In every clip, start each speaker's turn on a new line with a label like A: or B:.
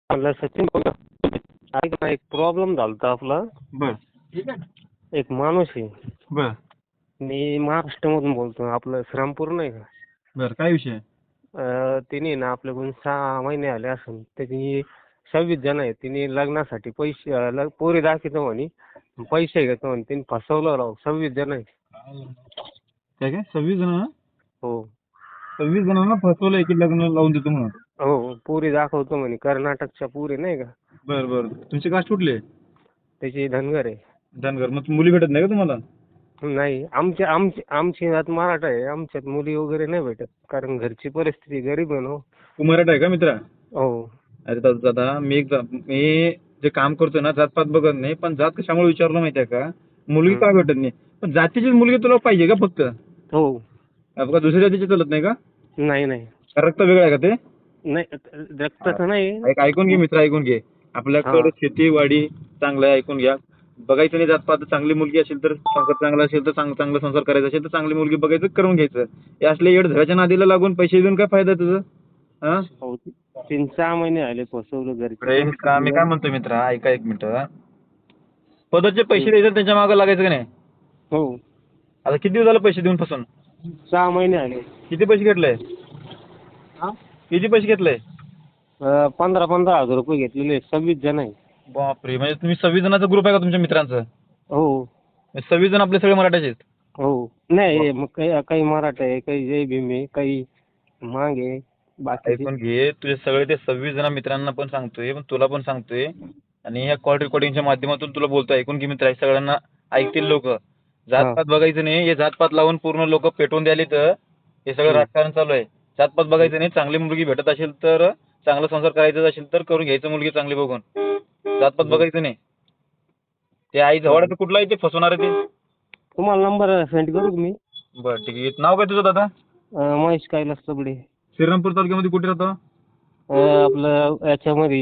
A: म्हणलं सचिन बोला. ऐक ना, एक प्रॉब्लेम झाला होता आपला.
B: बर
A: एक माणूस आहे.
B: बर
A: मी महाराष्ट्रामधून बोलतो. आपलं श्रामपूर नाही का?
B: बर काय विषय?
A: तिने ना आपल्याकडून 6 महिने आले असेल. त्याची 26 जण आहेत. तिने लग्नासाठी पैसे पोरी दाखवतो म्हणे, पैसे घेतो म्हणे. तिने फसवलं राव. 26 जण आहे.
B: काय काय 26 जण?
A: हो
B: 26 जणांना फसवलंय की लग्न लावून देतो म्हणून?
A: हो, पोरी दाखवतो म्हणे. कर्नाटकच्या पोरी नाही का?
B: बर बर तुमचे कास्ट कुठले?
A: त्याची धनगर आहे.
B: धनगर. मग मुली भेटत नाही का तुम्हाला?
A: नाही, आमची जात मराठा आहे. आमच्यात मुली वगैरे नाही भेटत, कारण घरची परिस्थिती गरीब आहे ना हो.
B: तू मराठा आहे का मित्रा?
A: हो
B: अरे दादा मी जे काम करतोय ना, जातपात बघत नाही, पण जात कशामुळे विचारलं माहितीये का? मुलगी का भेटत नाही? पण जातीचीच मुलगी तुला पाहिजे का फक्त?
A: हो.
B: का दुसऱ्या जातीची चालत नाही का?
A: नाही नाही
B: रक्त वेगळं आहे का ते?
A: नाही, रक्ताचं नाही.
B: ऐकून घे मित्र, ऐकून घे. आपल्याकडे शेतीवाडी चांगलं आहे, ऐकून घ्या. बघायचं नाही जातपात. चांगली मुलगी असेल तर, संसार चांगला असेल तर, चांगला संसार करायचा असेल तर चांगली मुलगी बघायचं, करून घ्यायचं. हे असले येड धराच्या नादीला लागून पैसे देऊन काय फायदा तुझं? हा?
A: 3-6 महिने आले फसवलं
B: मी
A: घरची.
B: काय म्हणतो मित्रा, ऐका एक मिनिट. पदरचे पैसे द्यायचे, त्याच्या मागे लागायचं का नाही?
A: हो.
B: आता किती दिवस झालं पैसे देऊन फसून?
A: 6 महिने आले.
B: किती पैसे घेतले? किती पैसे घेतले?
A: 15-15 हजार रुपये घेतलेले. 26 जण आहे.
B: बापरे, म्हणजे तुम्ही 26 जणांचा ग्रुप आहे का तुमच्या मित्रांचं?
A: हो
B: 26 जण आपले सगळे मराठ्याचे आहेत?
A: हो. नाही, मग काही मराठा आहे, काही जय भीम आहे, काही मांग आहे, बाकी.
B: ऐकून घे, तुझे सगळे ते 26 जण मित्रांना पण सांगतोय, पण तुला पण सांगतोय, आणि ह्या कॉल रेकॉर्डिंगच्या माध्यमातून तुला बोलतोय. ऐकून घे मित्र, सगळ्यांना ऐकतील लोक. जातपात बघायचं नाही. हे जातपात लावून पूर्ण लोक पेटवून द्यायला तर हे सगळं राजकारण चालू आहे. जातपात बघायचं नाही. चांगली मुलगी भेटत असेल तर, चांगला संसार करायचा असेल तर करून घ्यायचं मुलगी चांगली बघून. जातपात बघायचं नाही. ते आई जवळ कुठला आहे ते फसवणार आहे ते?
A: तुम्हाला नंबर सेंड करू का मी?
B: बरं ठीक आहे. नाव काय तुझं दादा?
A: महेश कैलास सबडे.
B: श्रीरामपूर तालुक्यामध्ये कुठे राहतो?
A: आपलं याच्यामध्ये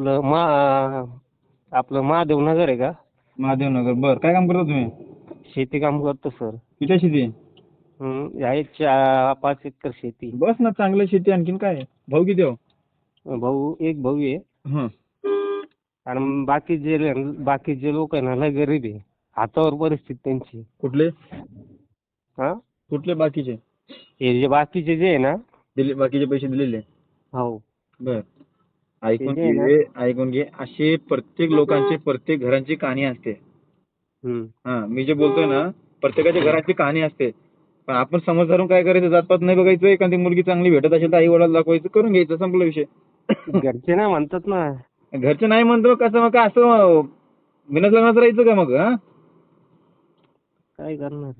A: आपलं महादेव नगर आहे का?
B: महादेव नगर. बरं, काय काम करता तुम्ही?
A: शेती काम करतो सर.
B: किती शेती?
A: आहे 5 एकर शेती.
B: बस ना, चांगलं शेती. आणखीन काय? भाऊ किती हो?
A: एक भाऊ आहे. आणि बाकीचे लोक आहे ना, लय गरीब आहे. हातावर परिस्थिती त्यांची.
B: कुठले?
A: हा,
B: कुठले बाकीचे?
A: हे जे बाकीचे जे आहे ना,
B: बाकीचे पैसे दिलेले?
A: हो.
B: बर, ऐकून घे. असे प्रत्येक लोकांची, प्रत्येक घरांची कहाणी असते. मी जे बोलतोय ना, प्रत्येकाच्या घराची कहाणी असते. पण आपण समज धरून काय करायचं? जातपात नाही बघायचं. एखादी मुलगी चांगली भेटत असेल तर आई वडिलांना दाखवायचं, करून घ्यायचं, संपला विषय.
A: घरचे नाही म्हणतात ना.
B: घरचे नाही म्हणतो कसं? मग असं बिनच लग्नाचं राहायचं का मग?
A: काय करणार?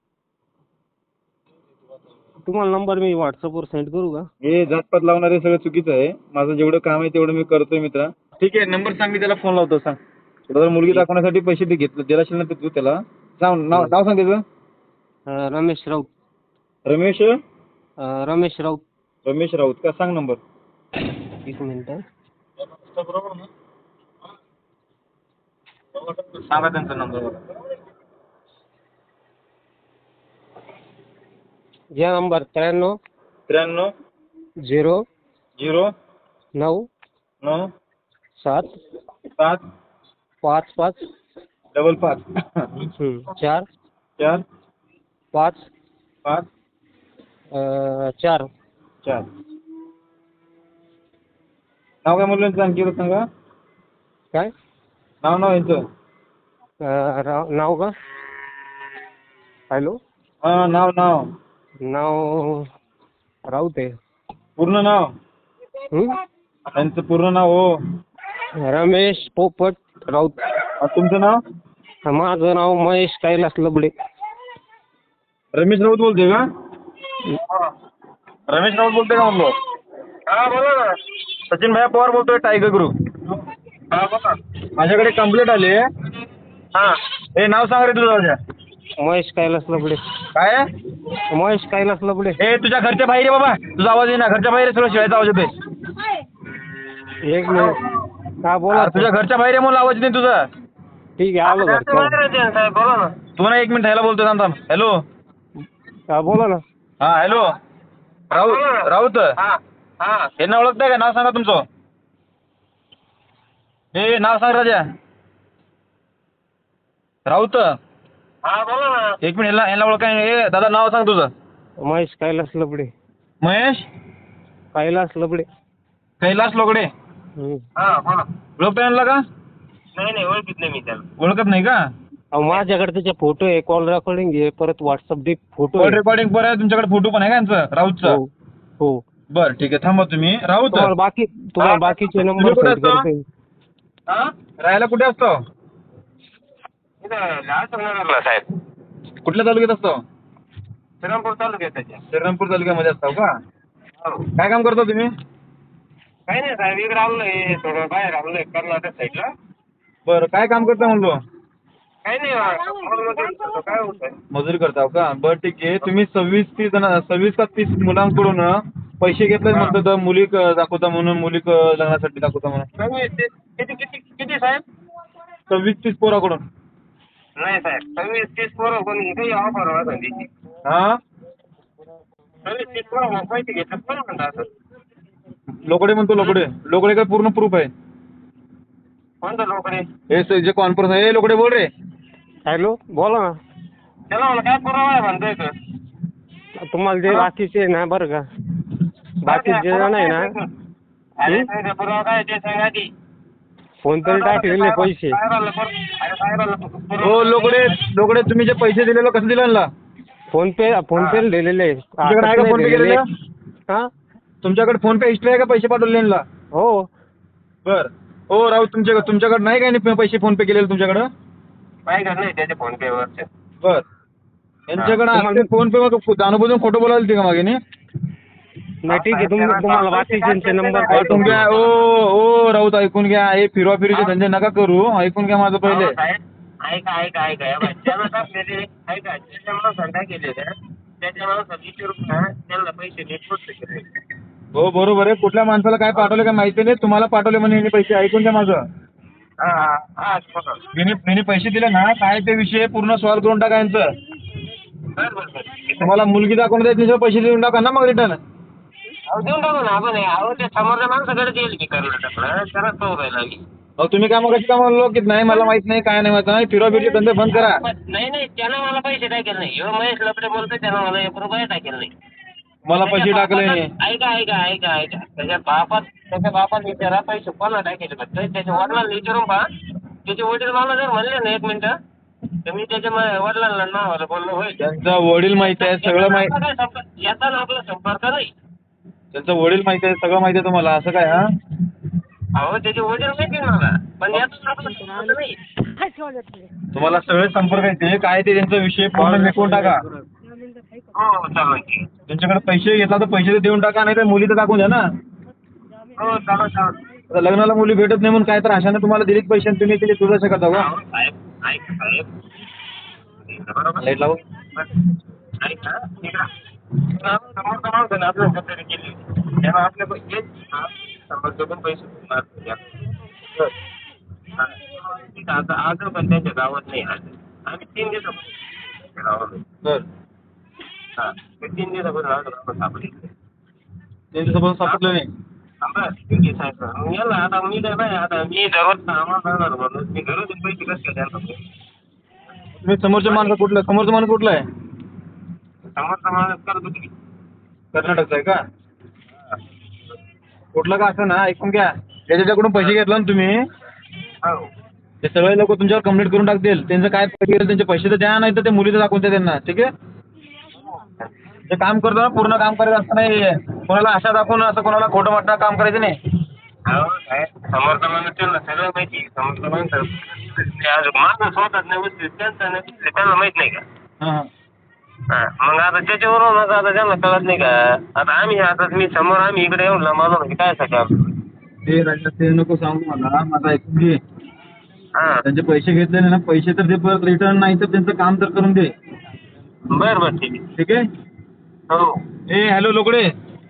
A: तुम्हाला नंबर मी व्हॉट्सअपवर सेंड करू का?
B: हे जातपात लावणारे सगळं चुकीचं आहे. माझं जेवढं काम आहे तेवढं मी करतोय मित्रा. ठीक आहे, नंबर सांग, मी त्याला फोन लावतो. सांग. तुला मुलगी दाखवण्यासाठी पैसे ते घेतलं, दिला असेल ना तू त्याला. नाव सांग त्याचं.
A: रमेश राऊत.
B: रमेश
A: राऊत.
B: रमेश राऊत का? सांग नंबर.
A: 1 मिनिट.
B: सांगा त्यांचा नंबर.
A: या नंबर 93 0
B: 0
A: 9
B: 9
A: 7
B: 7
A: 5 5
B: 5 5
A: 4
B: 4
A: 5
B: 5
A: 4
B: 4. नाव काय म्हणलं आणखी सांगा.
A: काय
B: नाव यांचं?
A: नाव का? हॅलो.
B: नाव
A: नाव राऊत आहे.
B: पूर्ण नाव? त्यांचं पूर्ण नाव? हो,
A: रमेश पोपट राऊत.
B: तुमचं नाव?
A: माझं नाव महेश कैलास लबडे.
B: रमेश राऊत बोलते का? रमेश राऊत बोलते का म्हणलो?
C: हा बोला ना.
B: सचिन भैया पवार बोलतोय, टायगर ग्रुप.
C: हा बोला.
B: माझ्याकडे कंप्लेंट आली.
C: हा,
B: हे नाव सांग रे तुझं.
A: महेश कैलास लबडे.
B: काय?
A: महेश कैलास लबडे.
B: हे तुझ्या घरच्या बाहेर आहे बाबा. तुझा आवाज आहे ना, घरच्या बाहेर आहे. शिवायचा आवाज येतोय.
A: 1 मिनिट. हा बोला.
B: तुझ्या घरच्या बाहेर आहे म्हणून आवाज नाही तुझा.
A: ठीक आहे, आलो घरच्या.
C: बोला ना.
B: तू ना 1 मिनिट ह्याला बोलतोय. थांब. हॅलो.
A: हा बोला ना.
B: हा हॅलो. राऊत.
C: हा हा.
B: हे नाव ओळखताय का? नाव सांगा तुमचं. हे नाव सांग राजा. राऊत.
C: हा बोला ना.
B: एक मिनिट यांना ओळखा. हे दादा नाव सांग तुझं.
A: महेश कैलास लबडे.
B: महेश
A: कैलास लबडे.
B: कैलास लोगडे.
C: हा बोला.
B: ओळखता यांना का?
C: नाही ओळखीत नाही मी त्याला.
B: ओळखत नाही का?
A: अहो माझ्याकडे त्याचे फोटो आहे, कॉल रेकॉर्डिंग आहे, परत व्हॉट्सअप डे फोटो
B: कॉल
A: आहे.
B: रेकॉर्डिंग बरं आहे. तुमच्याकडे फोटो पण आहे का यांचं राऊतचा?
A: हो हो.
B: बरं ठीक आहे. थांबा तुम्ही. राऊत
A: तुम्हाला बाकीचे नंबर
B: तुम्ही कुठे
A: सेंड
B: असता?
A: करते.
C: हा
B: राहायला कुठे असतो?
C: इथं लालसंगनगरला साहेब.
B: कुठल्या तालुक्यात असतो?
C: श्रीरामपूर तालुक्यात त्याच्या.
B: श्रीरामपूर तालुक्यामध्ये असतो का?
C: हो.
B: काय काम करता तुम्ही?
C: काही नाही साहेब, इकडे आलोय थोडं बाहेर आलोय कर्नाटक साईडला.
B: बरं काय काम करता म्हणलो?
C: काही नाही काय होतंय.
B: मजुरी करता का? बरं ठीक आहे. तुम्ही 26 का 30 मुलांकडून पैसे घेतले म्हणतात, मुली दाखवता म्हणून, मुली लग्नासाठी दाखवता म्हणून.
C: किती साहेब?
B: 26-30 पोराकडून.
C: नाही साहेब, 26-30 पोरं कोणी काही ऑफर होता त्याची.
B: हा
C: 26-30 पोरं पैसे घेतले कोण म्हणता असं?
B: लोकडे म्हणतो. लोकडे काय पूर्ण प्रूफ आहे?
C: कोणतं लोकडे?
B: हे जे कॉन्फरन्स आहे. लोकडे बोल रे.
A: हॅलो बोला ना.
C: त्याला मला काय पुरावा आहे म्हणतोय तर.
A: तुम्हाला जे बाकीचे आहे ना बरं का, बाकीचे जे नाही ना
C: अरे साहेब, पुरावा काय ते सांगा की.
A: फोन पे टाकलेले पैसे.
B: हो लोकडे तुम्ही जे पैसे दिलेलो कसं दिलं यांना?
A: फोन पे दिलेले.
B: तुमच्याकडे आहे का फोन पे केलेलं?
A: हा
B: तुमच्याकडे फोन पे हिस्ट्री आहे का पैसे पाठवले यांना?
A: हो.
B: बर. हो राऊत तुमच्याकडे नाही का पैसे फोन पे केलेले तुमच्याकडं?
C: काय नाही त्याच्या फोन पे वरचे.
B: बर. यांच्याकडे फोन पे मग जाणून खोटं बोलायला का मागे
A: नाही ठीक आहे. तुम्हाला बाकीचे नंबर
B: ऐकून घ्या. ओ राऊत ऐकून घ्या. हे फिरवाफिरीचे धंदे नका करू. ऐकून घ्या माझं पहिले.
C: ऐका ज्याला टाकलेले ऐका, ज्याच्या माणसाला केलेले त्याच्या माणसाला विचारून ना त्यांना पैसे नीट पोचले केले.
B: हो बरोबर आहे. कुठल्या माणसाला काय पाठवले काय माहिती नाही. तुम्हाला पाठवले म्हणे यांनी पैसे. ऐकून घ्या माझं. मी पैसे दिले ना, काय ते विषय पूर्ण सॉल्व्ह करून टाका यांचं. तुम्हाला मुलगी दाखवून द्यायची, पैसे देऊन टाका ना मग रिटर्न.
C: देऊन टाकू ना आपण. अहो ते समोरच्या माणसाकडे देईल की कर्नाटकला, त्याला तो राहिला की.
B: तुम्ही काय मग का म्हणलो की नाही मला माहित नाही, काय नाही माहित नाही, फिरवाफिरी धंदे बंद करा.
C: नाही त्यानं मला पैसे टाकेल नाही. ह्यो महेश लपडे बोलतोय, त्यानं मला 1 रुपया टाकेल नाही.
B: मला पैसे टाकले नाही.
C: ऐका त्याच्या बापात विचारा पैसे कोणाला टाकेल फक्त. त्याच्या वडिलांना विचारून पहा. त्याचे वडील मला जर म्हणले ना 1 मिनिटं तर मी त्याच्या वडिलांना नावाला बोलणं होईल.
B: त्यांचा वडील माहिती आहे, सगळं माहिती.
C: याचा ना आपला संपर्क नाही.
B: त्यांचं वडील माहिती आहे, सगळं माहिती आहे तुम्हाला, असं काय? हा
C: अहो त्याचे वडील माहिती आहे मला, पण याचा आपला संपर्क नाही.
B: तुम्हाला सगळे संपर्क येते काय ते त्यांचा विषय पूर्ण मिटवून टाका.
C: हो चालेल.
B: त्यांच्याकडे पैसे घेतला तर पैसे तर देऊन टाका, नाही तर मुली तर टाकून द्या ना.
C: हो चालेल.
B: आता लग्नाला मुली भेटत नाही म्हणून काय तर अशाने तुम्हाला दिलीत पैसे आणि तुम्ही तिथे तुझं शकत का?
C: साहेब
B: लाईट लावू.
C: ऐका समोरचा माणसाने आपल्या पद्धती केली त्याला आपल्या पैसे समोरचे पण पैसे आता आज पण त्यांच्या गावात नाही. आज आम्ही 3 दिवसापासून गावात. हा 3 दिवसापासून गावात सापडले.
B: 3 दिवसापासून सापडलं नाही.
C: ठीक आहे साहेब. याला आता मी काय बाय आता मी दररोज सामान राहणार म्हणून मी घरून पैसे कसे द्यायला.
B: तुम्ही समोरचं माणूस कुठलं आहे?
C: समोरचा माणूस करतो की
B: कर्नाटकचा आहे का? कुठलं का असं ना, ऐकून घ्या. त्याच्याकडून पैसे घेतला ना तुम्ही,
C: हो
B: ते सगळे लोक तुमच्यावर कंप्लेंट करून टाकतील. त्यांचं काय त्यांचे पैसे तर द्या, नाही तर ते मुलीचं दाखवून द्या त्यांना. ठीक आहे. जे काम करतो ना पूर्ण काम करायचं असं नाही. कोणाला आशा दाखवून असं कोणाला खोटं वाटणं काम करायचं नाही.
C: समोरचा माणूस त्यांना सगळं माहिती. समोरचा माणूस माझं स्वतःच नाही त्यांचं नाही त्यांना माहित नाही का?
B: हां
C: मग आता त्याच्यावरून आता त्यांना कळत नाही का? आता आता मी समोर आम्ही इकडे येऊन मानू की काय साठी
B: ते राजा ते नको सांगू मला, माझा ऐकून घे.
C: हां
B: त्यांचे पैसे घेतले ना, पैसे तर ते परत रिटर्न, नाही तर त्यांचं काम तर करून दे.
C: बरं ठीक आहे.
B: ठीक आहे.
C: हो
B: हॅलो लोकडे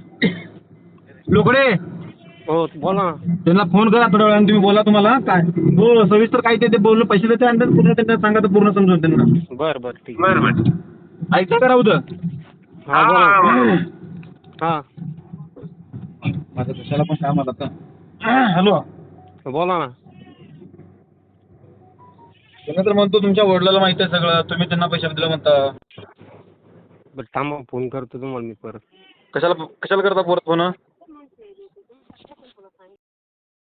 A: हो बोला ना.
B: त्यांना फोन करा थोड्या वेळाने, तुम्ही बोला तुम्हाला काय हो सविस्तर काय ते बोलणं पैसे देते आणि पूर्ण त्यांना सांगा तर पूर्ण समजून त्यांना.
A: बरं ठीक.
C: बरं
B: ऐकता का राहू
A: हा बोला. हा
B: माझं कशाला पण काम आलं आता. हॅलो
A: बोला ना.
B: तुम्ही तर म्हणतो तुमच्या वडिलाला माहिती आहे सगळं, तुम्ही त्यांना पैसे दिले म्हणता.
A: बरं थांबा, फोन करतो तुम्हाला मी परत.
B: कशाला कशाला करता परत फोन?